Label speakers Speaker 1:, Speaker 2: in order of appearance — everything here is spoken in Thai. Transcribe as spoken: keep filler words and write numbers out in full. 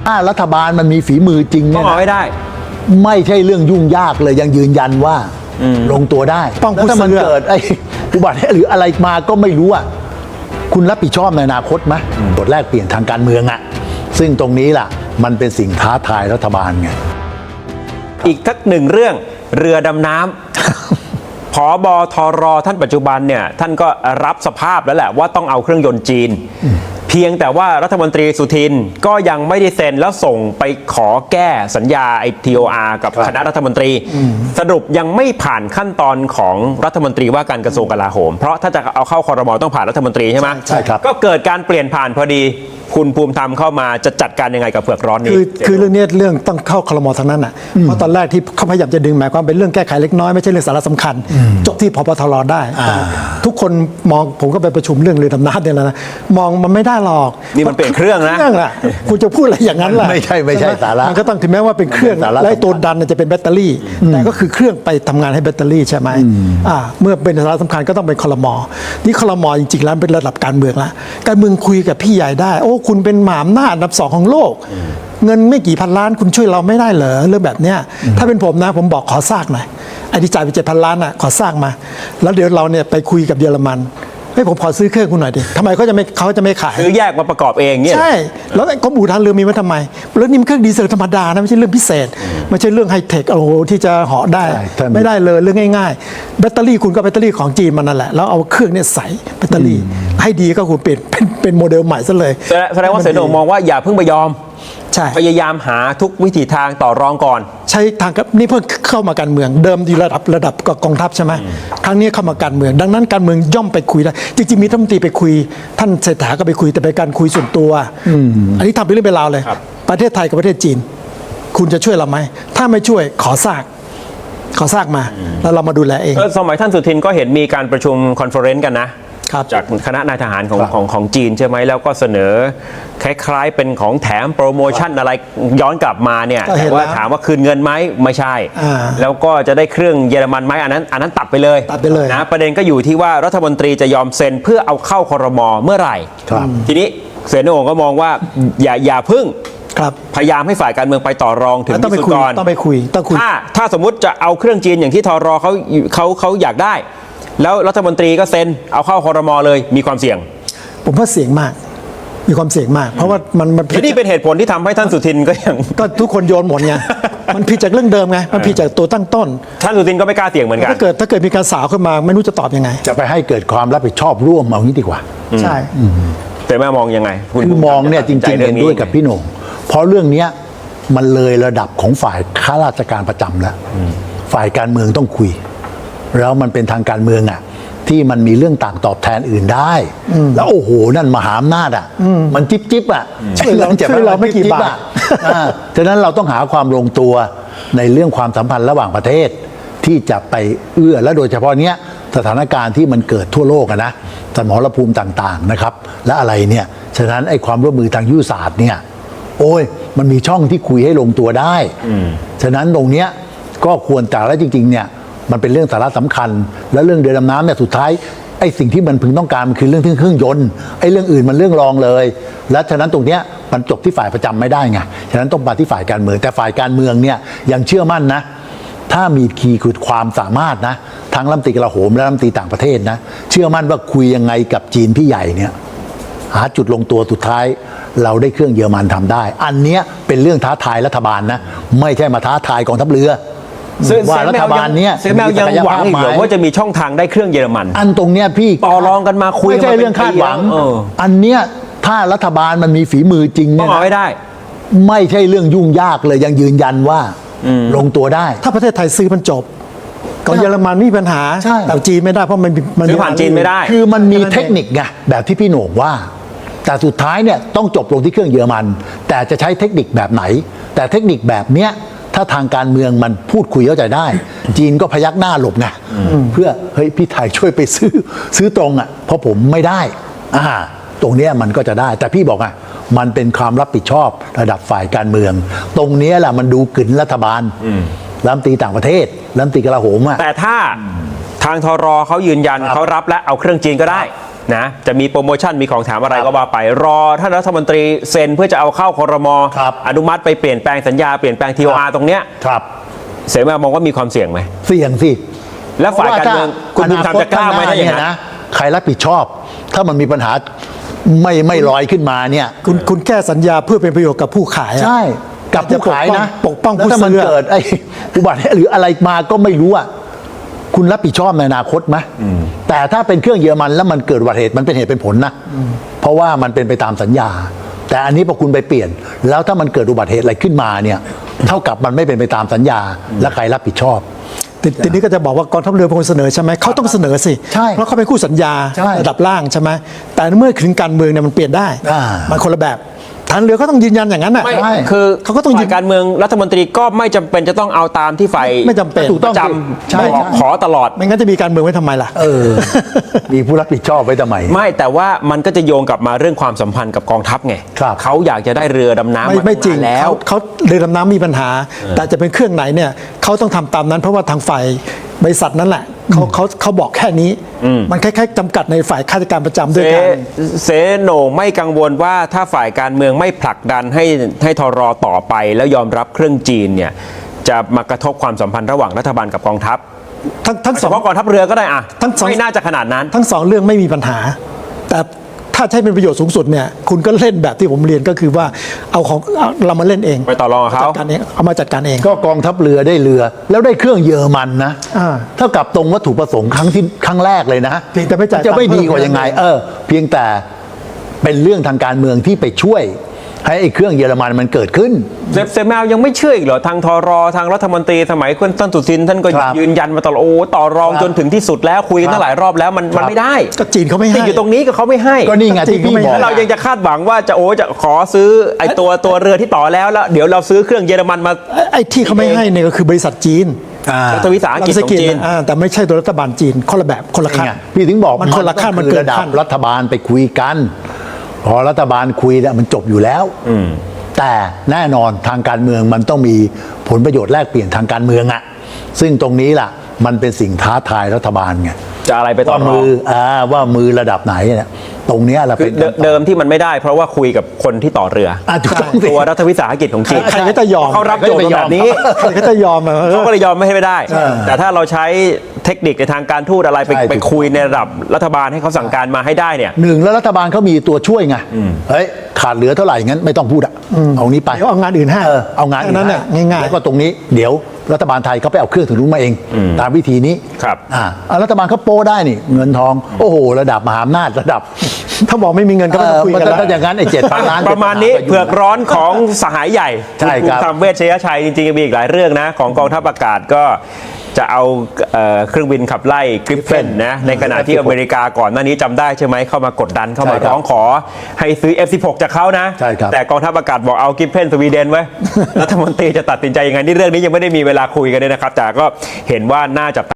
Speaker 1: ถ้ารัฐบาลมันมีฝีมือจริง
Speaker 2: ต้
Speaker 1: เนี่
Speaker 2: อย งเอาให้ได้
Speaker 1: ไม่ใช่เรื่องยุ่งยากเลยยังยืนยันว่าลงตัวได้
Speaker 3: ต้อง
Speaker 1: แล้วถ้ามัน
Speaker 3: พูดเสื้อ
Speaker 1: เกิดไอ้อุบัติเหตุหรืออะไรมาก็ไม่รู้อ่ะคุณรับผิดชอบในอนาคตไหมบทแรกเปลี่ยนทางการเมืองอ่ะซึ่งตรงนี้ล่ะมันเป็นสิ่งท้าทายรัฐบาลไง
Speaker 2: อีกทักหนึ่งเรื่องเรือดำน้ำ ผบทรท่านปัจจุบันเนี่ยท่านก็รับสภาพแล้วแหละว่าต้องเอาเครื่องยนต์จีน เพียงแต่ว่ารัฐมนตรีสุทินก็ยังไม่ได้เซ็นแล้วส่งไปขอแก้สัญญาไอทีโออาร์กับคณะรัฐมนตรี สรุปยังไม่ผ่านขั้นตอนของรัฐมนตรีว่าการกระทรวงกลาโหม เพราะถ้าจะเอาเข้าครม.ต้องผ่านรัฐมนตรีใช่ไหม
Speaker 1: ใช่ครับ
Speaker 2: ก็เกิดการเปลี่ยนผ่านพอดีคุณภูมิธรรมเข้ามาจะจัดการยังไงกับเผือกร้อนนี้
Speaker 3: คือคือเรื่องนี้เรื่องต้องเข้าครม.ทั้งนั้นอ่ะเพราะตอนแรกที่เขาพยายามจะดึงหมายความเป็นเรื่องแก้ไขเล็กน้อยไม่ใช่เรื่องสาระสำคัญ จบที่พบทรได้ ทุกคนมองผมก็ไปประชุมเรื่องเรือดำน้ำเนี่ยแล้วนะมองมันไม่ได้หรอก
Speaker 2: นี่มันเปลี่ยนเครื่องนะ
Speaker 3: เครื่องล่ะคุณจะพูดอะไรอย่างนั้นล่ะ
Speaker 1: ไม่ใช่ไม่ใช่
Speaker 3: ห
Speaker 1: สาระ
Speaker 3: มันก็ต้องถึงแม้ว่าเป็นเครื่อง
Speaker 1: มันเป็นสาระ
Speaker 3: และไอ้ตัวดันเนี่ยจะเป็นแบตเตอรี่ แต่ก็คือเครื่องไปทำงานให้แบตเตอรี่ใช่ไหมอ่าเมื่อเป็นสาระสำคัญก็ต้องเป็นครม.นี่ครม.จริงๆแล้วเป็นระดับการเมืองละการเมืองคุยกับพี่ใหญ่ได้โอ้คุณเป็นหมหาอำนาจอันดับสองของโลก เงินไม่กี่พันล้านคุณช่วยเราไม่ได้เหรอเรื่องแบบเนี้ยถ้าเป็นผมนะผมบอกขอซากหน่อยไอ้ที่จ่ายไปเจ็ดพันล้านอ่ะขอซากมา แล้วเดี๋ยวเราเนี่ยไปคุยกับเยอรมันให้ผมขอซื้อเครื่องคุณหน่อยดิทำไมเขาจะไม่เขาจะไม่ขาย
Speaker 2: ซื้อแยกมาประกอบเองเนี่ย
Speaker 3: ใช่ แล้วไอ้กรมอู่ทางเรือมีไว้ทำไมแล้วนี่มันเครื่องดีเซลธรรมดานะไม่ใช่เรื่องพิเศษไม่ใช่เรื่องไฮเทคโอ้โหที่จะเหาะได้
Speaker 1: ใช่ถ้ามี
Speaker 3: ไม่ได้เลยเรื่องง่ายๆแบตเตอรี่คุณก็แบตเตอรี่ของจีนมันนั่นแหละแล้วเอาเครื่องเนี่ยใส่แบตเตอรี่ให้ดีก็คุณเปลี่ยนเป็นเป็นโมเดลใหม่ซะเลย
Speaker 2: แสดงแสดงว่าเสนงมองว่าอย่าเพิ่งไปยอม
Speaker 3: ใช่
Speaker 2: พยายามหาทุกวิถีทางต่อรองก่อน
Speaker 3: ใช้ทางกับนี่เพิ่งเข้ามาการเมืองเดิมอยู่ระดับระดับกองทัพใช่ไหมครั้งนี้เข้ามาการเมือง ดังนั้นการเมืองย่อมไปคุยได้จริงๆมีรัฐมนตรีไปคุย ท่านเศรษฐาก็ไปคุยแต่เป็นการคุยส่วนตัวอันนี้ทำเป็นเรื่องเป็นราวเลย
Speaker 2: ครับ
Speaker 3: ประเทศไทยกับประเทศจีน คุณจะช่วยเราไหมถ้าไม่ช่วยขอซากขอซากมา แล้วเรามาดูแลเอง
Speaker 2: เออสมัยท่านสุทินก็เห็นมีการประชุมคอนเฟอเรนซ์กันนะครับ จากคณะนายทหารของ
Speaker 1: ครับ
Speaker 2: ของของจีนใช่ไหมแล้วก็เสนอคล้ายๆเป็นของแถมโปรโมชั่นอะไรย้อนกลับมาเนี่ย
Speaker 3: ก็เห็
Speaker 2: แต่
Speaker 3: น
Speaker 2: ว่า
Speaker 3: แล้ว
Speaker 2: ถามว่าคืนเงินไหมไม่ใช่
Speaker 3: อ่า
Speaker 2: แล้วก็จะได้เครื่องเยอรมันไหมอันนั้นอันนั้นตัดไปเลย
Speaker 3: ตัดไปเลย
Speaker 2: นะประเด็นก็อยู่ที่ว่ารัฐมนตรีจะยอมเซ็นเพื่อเอาเข้าครม.เมื่อไหร่
Speaker 1: ครับ
Speaker 2: ทีนี้เสนงก็มองว่าอย่าอย่าพึ่ง
Speaker 3: ครับ
Speaker 2: พยายามให้ฝ่ายการเมืองไปต่อรองถึง
Speaker 3: ต้องไป
Speaker 2: ที่สุด
Speaker 3: คุย
Speaker 2: ก่อน
Speaker 3: ต้องไปคุยต้องคุย
Speaker 2: ถ้าถ้าสมมติจะเอาเครื่องจีนอย่างที่ทรเขาเขาเขาอยากได้ แล้วรัฐมนตรีก็เซ็นเอาเข้าครมเลยมีความเสี่ยง
Speaker 3: ผมว่าเสี่ยงมาก มีความเสี่ยงมาก เพราะว่ามันมันผิ
Speaker 2: และ
Speaker 3: ด
Speaker 2: นี่เป็นเหตุผลที่ทำให้ท่านสุทินก็ยัง
Speaker 3: ก็ทุกคนโยนหมดไง มันผิดจากเรื่องเดิมไง มันผิดจากตัวตั้งต้น
Speaker 2: ท่านสุทินก็ไม่กล้าเสี่ยงเหมือนกัน
Speaker 3: ถ้าเกิดถ้าเกิดมีการสาวขึ้นมาไม่รู้จะตอบยังไง
Speaker 1: จะไปให้เกิดความรับผิดชอบร่วมเอางี้ดีกว่า
Speaker 3: ใช่
Speaker 2: แต่แม่มองยังไงณ
Speaker 1: คือมองเนี่ยจริงๆ
Speaker 2: ตัดสิใจ
Speaker 1: เห็นด้วยกับพี่โหน่งเพราะเรื่องเนี้ยมันเลยระดับของฝ่ายข้าราชการประจำแล้ว ฝ่ายการเมืองต้องคุย แล้วมันเป็นทางการเมืองอ่ะที่มันมีเรื่องต่างตอบแทนอื่นได้ แล้วโอ้โหนั่นมหาอำนาจอ่ะมันจิ๊บจิ๊บอ่ะ
Speaker 3: ช่วยเรา
Speaker 1: ไอ้งินจ็บ
Speaker 3: ช่วยเราไม่กี่
Speaker 1: จิ๊
Speaker 3: บาท
Speaker 1: อ่ะอ่าฉะนั้นเราต้องหาความลงตัวในเรื่องความสัมพันธ์ระหว่างประเทศ ที่จะไปเอื้อและโดยเฉพาะเนี้ยสถานการณ์ที่มันเกิดทั่วโลกอะนะสมรภูมิต่างๆนะครับ และอะไรเนี่ยฉะนั้นไอ้ความร่วมมือทางยุทธศาสตร์เนี่ยโอ้ยมันมีช่องที่คุยให้ลงตัวได้ฉะนั้นตรงเนี้ยก็ควรแต่และจริงๆเนี่ยมันเป็นเรื่องสาระสำคัญ และเรื่องเรือดำน้ำเนี่ยสุดท้ายไอ้สิ่งที่มันพึงต้องการมันคือเรื่องเครื่องยนต์ไอ้เรื่องอื่นมันเรื่องรองเลย และฉะนั้นตรงเนี้ยมันจบที่ฝ่ายประจำไม่ได้ไงฉะนั้นต้องมาที่ฝ่ายการเมืองแต่ฝ่ายการเมืองเนี่ยยังเชื่อมั่นนะ ถ้ามีคีย์คือความสามารถนะทั้งรัฐมนตรีกลาโหมและรัฐมนตรีต่างประเทศนะเชื่อมั่นว่าคุยยังไงกับจีนพี่ใหญ่เนี่ยหาจุดลงตัวสุดท้าย เราได้เครื่องเยอรมันทำได้ อันเนี้ยเป็นเรื่องท้าทายรัฐบาลนะไม่ใช่มาท้าทายกองทัพเรือ
Speaker 2: ซึ่ง
Speaker 1: ว่ารัฐบาลเนี้ย
Speaker 2: เซแมวยังหวังอีกเหรอว่าจะมีช่องทางได้เครื่องเยอรมัน
Speaker 1: อันตรงเนี้ยพี่
Speaker 2: ต่อรองกันมาคุย
Speaker 1: ไม่ใช่
Speaker 2: กันมาเป็น
Speaker 1: เรื่องคาดหวัง
Speaker 2: ปีแล้วเออ
Speaker 1: อันเนี้ยถ้ารัฐบาลมันมีฝีมือจริง
Speaker 2: ต้อ
Speaker 1: เนี่
Speaker 2: ง
Speaker 1: ย
Speaker 2: เอาให้
Speaker 1: นะ
Speaker 2: ได้
Speaker 1: ไม่ใช่เรื่องยุ่งยากเลยยังยืนยันว่าลงตัวได้
Speaker 3: ถ้าประเทศไทยซื้อมันจบของเยอรมันไม่มีปัญหา
Speaker 1: ใช่
Speaker 3: แต่จีนไม่ได้เพราะมันมัน
Speaker 2: ซื้อผ่านจีนไม่ได้
Speaker 1: คือมันมีเทคนิคไงแบบที่พี่โหน่งว่า แต่สุดท้ายเนี่ยต้องจบลงที่เครื่องเยอรมัน แต่จะใช้เทคนิคแบบไหน แต่เทคนิคแบบเนี้ยถ้าทางการเมืองมันพูดคุยเข้าใจได้ จีนก็พยักหน้าหลบไงเพื่อเฮ้ยพี่ไทยช่วยไปซื้อซื้อตรงอ่ะเพราะผมไม่ได้อ่าตรงเนี้ยมันก็จะได้ แต่พี่บอกอ่ะมันเป็นความรับผิดชอบระดับฝ่ายการเมือง ตรงเนี้ยแหละมันดูกึ่นรัฐบาลรัฐมนตรีต่างประเทศรัฐมนตรีกลาโหมอ่ะ
Speaker 2: แต่ถ้าทางทรเขายืนยัน
Speaker 1: ครับ
Speaker 2: เขารับและเอาเครื่องจีนก็ได้นะจะมีโปรโมชั่นมีของแถมอะไรก็ว่าไปรอท่านรัฐมนตรีเซ็นเพื่อจะเอาเข้าครม.อนุมัติไปเปลี่ยนแปลงสัญญาเปลี่ยนแปลง ที โอ อาร์ ตรงเนี้ย
Speaker 1: ครับ
Speaker 2: เสมามองว่ามีความเสี่ยงไหม
Speaker 1: เสี่ยงสิ
Speaker 2: แล้วฝ่ายการเมืองคุณภูมิธรรมจะกล้าไหมถ้าอย่างนั้น
Speaker 1: นะใครรับผิดชอบ ถ้ามันมีปัญหาไม่ไม่ลอยขึ้นมาเนี่ย
Speaker 3: คุณคุณแก้สัญญาเพื่อเป็นประโยชน์กับผู้ขายอะ
Speaker 1: ใช่กับผู้ขายนะ
Speaker 3: ปกป้อง
Speaker 1: แล้ว
Speaker 3: ผู้
Speaker 1: ถ้ามัน
Speaker 3: ซื้อ
Speaker 1: เกิดไอ้อุบัติเหตุหรืออะไรมาก็ไม่รู้อ่ะคุณรับผิดชอบในอนาคตไหมแต่ถ้าเป็นเครื่องเยอรมันแล้วมันเกิดอุบัติเหตุมันเป็นเหตุเป็นผลนะเพราะว่ามันเป็นไปตามสัญญา แต่อันนี้พอคุณไปเปลี่ยน แล้วถ้ามันเกิดอุบัติเหตุอะไรขึ้นมาเนี่ยเท่ากับมันไม่เป็นไปตามสัญญา และใครรับผิดชอบ
Speaker 3: ทีทีนี้ก็จะบอกว่ากองทัพเรือเป็นคนเสนอใช่ไหมเขาต้องเสนอสิ
Speaker 1: ใช่
Speaker 3: เพราะเขาเป็นคู่สัญญา
Speaker 1: ใช่
Speaker 3: ระดับล่างใช่ไหมแต่เมื่อถึงการเมืองเนี่ยมันเปลี่ยนได้
Speaker 1: อ่า
Speaker 3: มันคนละแบบฐานเรือก็ต้องยืนยันอย่างนั้นน่ะ
Speaker 2: ไม่
Speaker 1: ใช่
Speaker 2: คือ
Speaker 3: เขาก็ต้องยื
Speaker 2: ฝ่าน ยการเมืองรัฐมนตรีก็ไม่จำเป็นจะต้องเอาตามที่ฝ่าย
Speaker 3: ไม่จำเป็น
Speaker 1: ถูกต้อง
Speaker 2: จ
Speaker 1: สิใช่
Speaker 2: ำบอก
Speaker 1: ใช่
Speaker 2: ขอตลอด
Speaker 3: ไม่งั้นจะมีการเมืองไว้ทำไมล่ะ
Speaker 1: เออ มีผู้รับผิดชอบไว้ทำไม
Speaker 2: ไม่แต่ว่ามันก็จะโยงกลับมาเรื่องความสัมพันธ์กับกองทัพไง
Speaker 1: ครับ
Speaker 2: เขาอยากจะได้เรือดำน้ำ
Speaker 3: ไม่
Speaker 2: มา
Speaker 3: ไม่จริง
Speaker 2: ตั้นานแล้ว
Speaker 3: เขาเขาเรือดำน้ำมีปัญหา แต่จะเป็นเครื่องไหนเนี่ยเขาต้องทำตามนั้น เพราะว่าทางฝ่ายบริษัทนั่นแหละเขาเขาเขาบอกแค่นี้ มันคล้ายๆจำกัดในฝ่ายข้าราชการประจำ
Speaker 2: เซ
Speaker 3: ด้วยกัน
Speaker 2: เซโหน่งไม่กังวลว่าถ้าฝ่ายการเมืองไม่ผลักดันให้ให้ทรต่อไป แล้วยอมรับเครื่องจีนเนี่ยจะมากระทบความสัมพันธ์ระหว่างรัฐบาลกับกองทัพ
Speaker 3: ทั้งทั้ง
Speaker 2: เฉ
Speaker 3: สอง
Speaker 2: พาะกองทัพเรือก็ได้อะ
Speaker 3: ทั้งสอง
Speaker 2: ไม่น่าจะขนาดนั้น
Speaker 3: ทั้งสองเรื่องไม่มีปัญหา แต่ถ้าใช้เป็นประโยชน์สูงสุดเนี่ยคุณก็เล่นแบบที่ผมเรียนก็คือว่าเอาของเอาเรามาเล่นเอง
Speaker 2: ไปต่อรองกับเขา
Speaker 3: จัดการเองเอามาจัดการเอง
Speaker 1: ก็กองทัพเรือได้เรือ แล้วได้เครื่องเยอรมันนะ
Speaker 3: อ่า
Speaker 1: เท่ากับตรงวัตถุประสงค์ครั้งที่ครั้งแรกเลยนะ
Speaker 3: เพียงแต่ไม่จ่าย
Speaker 1: จะไม่
Speaker 3: ตังค์
Speaker 1: ดีกว่า
Speaker 3: เพิ่ม
Speaker 1: ยังไง เออ เพียงแต่เป็นเรื่องทางการเมืองที่ไปช่วย ให้ไอ้เครื่องเยอรมันมันเกิดขึ้น
Speaker 2: เซฟเซฟแมวยังไม่เชื่ออีกเหรอทางทรทางรัฐมนตรีสมัยคุณต้นสุทินท่านก็
Speaker 1: ครับ
Speaker 2: ยืนยันมาตลอดโอ้ต่อรอง
Speaker 1: ครับ
Speaker 2: จนถึงที่สุดแล้วคุยกันตั้งหลายรอบแล้วมัน
Speaker 1: ครั
Speaker 2: มัน
Speaker 1: บ
Speaker 2: ไม่ได้
Speaker 3: ก็จีนเขาไม่ให้
Speaker 2: ที่อยู่ตรงนี้ก็เขาไม่ให้
Speaker 1: ก็นี่ไงที่พี่บอก
Speaker 2: แล้วเรายังจะคาดหวังว่าจะโอ้จะขอซื้อไอ้ตัวตัวเรือที่ต่อแล้วแล้วเดี๋ยวเราซื้อเครื่องเยอรมันมา
Speaker 3: ไอ้ไอ้ที่เขาไม่ให้เนี่ยก็คือบริษัทจีน
Speaker 1: อ่า
Speaker 2: รัฐวิสาหกิจของจีน
Speaker 3: อ่าแต่ไม่ใช่ตัวรัฐบาลจีนคนละแบบคนละขั้น
Speaker 1: ไงพี่ถึงบอก
Speaker 3: มันคนละขั้นมัน
Speaker 1: คือ
Speaker 3: เกิน
Speaker 1: ระดับ
Speaker 3: ขั้น
Speaker 1: รัฐบาลไปคุยกัน พอรัฐบาลคุยแล้วมันจบอยู่แล้วแต่แน่นอนทางการเมืองมันต้องมีผลประโยชน์แลกเปลี่ยนทางการเมืองอะซึ่งตรงนี้ล่ะ มันเป็นสิ่งท้าทายรัฐบาลไง
Speaker 2: จะอะไรไปต่อ
Speaker 1: ว่าร
Speaker 2: อ
Speaker 1: มืออ่าว่ามือระดับไหนเนี่ยตรงเนี้ยเรา
Speaker 2: คื
Speaker 1: เป็
Speaker 2: อน เดิมเดิมที่มันไม่ได้ เพราะว่าคุยกับคนที่ต่อเรือ
Speaker 1: อ่ะถูกต้องสิ
Speaker 2: ตัวรัฐวิสาหกิจของจีน
Speaker 3: ใครก็จะยอม
Speaker 2: เขารับโจทย์มาแบบนี้
Speaker 3: ใครก็จะยอมอะเออ
Speaker 2: เขาก็เลยยอมไม่ให้ไม่ได้ แต่ถ้าเราใช้เทคนิคในทางการทูตอะไรไป
Speaker 1: ใช่
Speaker 2: ไป
Speaker 1: ถูก
Speaker 2: คุยในระดับรัฐบาลให้เขาสั่งการมาให้ได้เนี่ย
Speaker 1: หนึ่งแล้วรัฐบาลเขามีตัวช่วยไงเฮ้ยขาดเหลือเท่าไหร่งั้นไม่ต้องพูดอะเอานี้ไป
Speaker 3: เดี๋ยวเอางานอื่นให้
Speaker 1: เออเอางานอื่
Speaker 3: แค่นั้นน่ะ
Speaker 1: ให้
Speaker 3: ง่ายๆ
Speaker 1: แล้วก็ตรงนี้เดี๋ยวรัฐบาลไทยเขาไปเอาเครื่องถึงรู้นมาเอง ตามวิธีนี้
Speaker 2: ครับ
Speaker 1: อ่าเอารัฐบาลเขาโป้ได้นี่ เงินทอง โอ้โห ระดับมหาอำนาจระดับ
Speaker 3: ถ้าบอกไม่มีเงินก็ไม่ต้องคุยกัน
Speaker 1: เออ
Speaker 3: แล้ว
Speaker 1: ถ้าอย่างนั้นไอ้เจ็ดพันล้าน
Speaker 2: ประมาณนี้เผือกร้อนของสหายใหญ่
Speaker 1: ใช่ครับ
Speaker 2: ณภูมิธรรมเวชยชัยจริงๆมีอีกหลายเรื่องนะ ของกองทัพอากาศก็จะเอาเอ่อเครื่องบินขับไล่กริฟเฟนนะในขณะที่อเมริกาก่อนหน้านี้จำได้ใช่ไหมเข้ามากดดันเข้ามา
Speaker 1: ใช่ครับ
Speaker 2: ร้องขอให้ซื้อ เอฟ สิบหก จากเขานะ
Speaker 1: ใช่ครับ
Speaker 2: แต่กองทัพอากาศบอกเอากริฟเฟนสวีเดนไว้ รัฐมนตรีจะตัดสินใจยังไงนี่เรื่องนี้ยังไม่ได้มีเวลาคุยกันเลยนะครับแต่ก็เห็นว่าน่าจะ